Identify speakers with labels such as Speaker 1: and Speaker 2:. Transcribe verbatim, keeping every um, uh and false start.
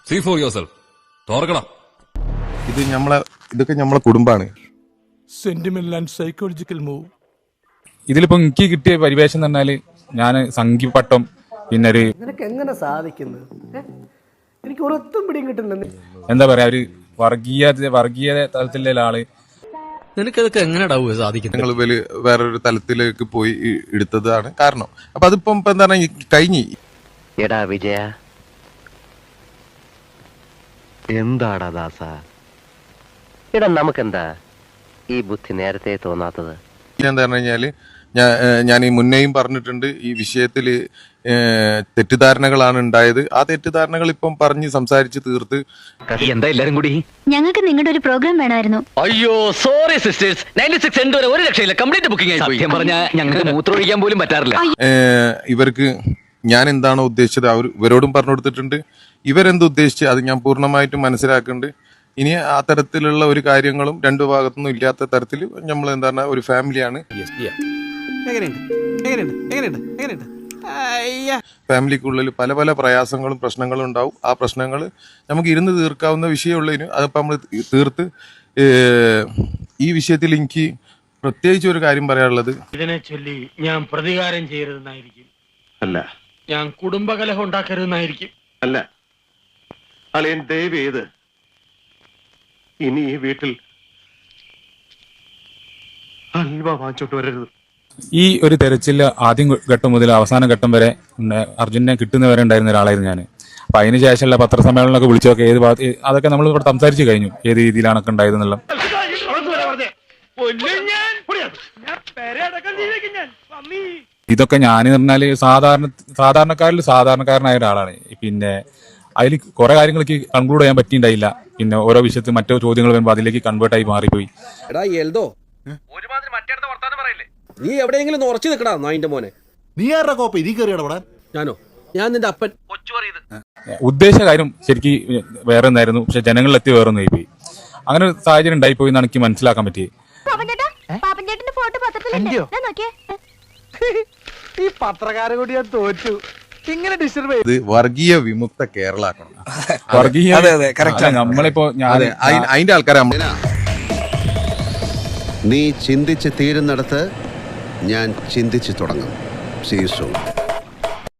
Speaker 1: See for yourself. തുറക്കണം.
Speaker 2: ഇത് നമ്മളെ ഇതൊക്കെ നമ്മളെ കുടുംബാണ്.
Speaker 3: Sentimental and psychological move.
Speaker 4: ഇതിലിപ്പോ എനിക്ക് കിട്ടിയ പരിവേഷം എന്ന് പറഞ്ഞാല് ഞാൻ സംഘിപ്പട്ടം പിന്നെ ഒരു
Speaker 5: നിനക്ക് എങ്ങനെ സാധിക്കുന്നത്? എനിക്ക് ഒരൊത്തും പിടിയും കിട്ടുന്നില്ല.
Speaker 4: എന്താ പറയാ ഒരു വർഗീയ വർഗീയ തലത്തിലുള്ള ആള്.
Speaker 1: നിനക്കതൊക്കെ എങ്ങനെയാ സാധിക്കുന്നത്?
Speaker 2: ഞങ്ങൾ വലിയ വേറൊരു തലത്തിലേക്ക് പോയി എടുത്തതാണ് കാരണം. അപ്പൊ അതിപ്പം ഇപ്പൊ എന്താണ് കഴിഞ്ഞ്.
Speaker 6: എടാ വിജയ, എന്താടാ ദാസ, എടാ നമുക്കെന്താ ഈ ബുദ്ധി നേരത്തെ തോന്നാത്തത്?
Speaker 2: എന്താ പറഞ്ഞു കഴിഞ്ഞാല് ഞാൻ ഞാൻ ഈ മുന്നേയും പറഞ്ഞിട്ടുണ്ട്, ഈ വിഷയത്തിൽ തെറ്റിദ്ധാരണകളാണ് ഉണ്ടായത്. ആ തെറ്റിദ്ധാരണകൾ ഇപ്പം പറഞ്ഞ് സംസാരിച്ച് തീർത്ത്.
Speaker 6: എന്താ എല്ലാരും കൂടി?
Speaker 7: ഞങ്ങൾക്ക് നിങ്ങളുടെ ഒരു പ്രോഗ്രാം വേണമായിരുന്നു.
Speaker 6: അയ്യോ sorry sisters, ninety six end വരെ ഒരു രക്ഷയില്ല, കംപ്ലീറ്റ് ബുക്കിംഗ് ആയി. സത്യം പറഞ്ഞാൽ ഞങ്ങൾക്ക് മൂത്രമൊഴിക്കാൻ പോലും പറ്റാറില്ല.
Speaker 2: ഇവർക്ക് ഞാൻ എന്താണോ ഉദ്ദേശിച്ചത് അവർ ഇവരോടും പറഞ്ഞു കൊടുത്തിട്ടുണ്ട്. ഇവരെന്ത് ഉദ്ദേശിച്ച് അത് ഞാൻ പൂർണ്ണമായിട്ടും മനസ്സിലാക്കുന്നുണ്ട്. ഇനി ആ തരത്തിലുള്ള ഒരു കാര്യങ്ങളും രണ്ടു ഭാഗത്തുനിന്നും ഇല്ലാത്ത തരത്തിൽ നമ്മൾ എന്താണ് ഒരു ഫാമിലിയാണ്. ഫാമിലിക്കുള്ളിൽ പല പല പ്രയാസങ്ങളും പ്രശ്നങ്ങളും ഉണ്ടാവും. ആ പ്രശ്നങ്ങൾ നമുക്ക് ഇരുന്ന് തീർക്കാവുന്ന വിഷയമുള്ളതിന് അതിപ്പോൾ നമ്മൾ തീർത്ത്. ഈ വിഷയത്തിൽ എനിക്ക് പ്രത്യേകിച്ച് ഒരു കാര്യം പറയാനുള്ളത്,
Speaker 8: ഇതിനെ ചൊല്ലി ഞാൻ പ്രതികാരം ചെയ്യരുതെന്നായിരിക്കും.
Speaker 9: അല്ല,
Speaker 8: ഞാൻ കുടുംബകലഹം ഉണ്ടാക്കരുതെന്നായിരിക്കും.
Speaker 9: അല്ല അളിയൻ ദയവ് ചെയ്ത് ഇനി ഈ വീട്ടിൽ ഹൽവ വാങ്ങിച്ചോട്ട് വരരുത്.
Speaker 4: ഈ ഒരു തെരച്ചില് ആദ്യം ഘട്ടം മുതൽ അവസാന ഘട്ടം വരെ അർജുനെ കിട്ടുന്നവരെ ഉണ്ടായിരുന്ന ഒരാളായിരുന്നു ഞാൻ. അപ്പൊ അതിന് ശേഷമുള്ള പത്രസമ്മേളനമൊക്കെ വിളിച്ചൊക്കെ ഏത് ഭാഗത്ത് അതൊക്കെ നമ്മൾ ഇവിടെ സംസാരിച്ചു കഴിഞ്ഞു, ഏത് രീതിയിലാണൊക്കെ ഉണ്ടായതെന്നുള്ള. ഇതൊക്കെ ഞാൻ പറഞ്ഞാല് സാധാരണ സാധാരണക്കാരിൽ സാധാരണക്കാരനായ ഒരാളാണ്. പിന്നെ അതിൽ കുറെ കാര്യങ്ങൾക്ക് കൺക്ലൂഡ് ചെയ്യാൻ പറ്റിയിട്ടുണ്ടായില്ല. പിന്നെ ഓരോ വിഷയത്തിൽ മറ്റോ ചോദ്യങ്ങൾ വരുമ്പോൾ അതിലേക്ക് കൺവേർട്ട് ആയി മാറിപ്പോയി.
Speaker 5: നീ എവിടെയെങ്കിലും ഉറച്ചു നിൽക്കടാ നായിന്റെ മോനെ.
Speaker 3: നീ ആരുടെ കോപ്പ ഇതി കയറിയടാ?
Speaker 5: ഞാനോ? ഞാൻ നിന്റെ അപ്പൻ.
Speaker 4: ഉദ്ദേശ കാര്യം ശരിക്കും വേറെ ഒന്നായിരുന്നു, പക്ഷെ ജനങ്ങളിലെത്തി വേറെ ഒന്നായി പോയി. അങ്ങനെ ഒരു സാഹചര്യം ഉണ്ടായിപ്പോയി എന്നാണ് എനിക്ക് മനസ്സിലാക്കാൻ പറ്റിയത്.
Speaker 5: ഈ പത്രക്കാരെ കൂടി ഞാൻ തോറ്റു. ഇങ്ങനെ ഡിസ്റ്റർബ്
Speaker 2: ഇത് വർഗീയ വിമുക്ത കേരള ആക്കണം.
Speaker 4: വർഗീയ നമ്മളിപ്പോ
Speaker 2: അതിന്റെ ആൾക്കാരെ
Speaker 10: നീ ചിന്തിച്ച് തീരുന്നിടത്ത് ഞാൻ ചിന്തിച്ചു തുടങ്ങും. See you soon.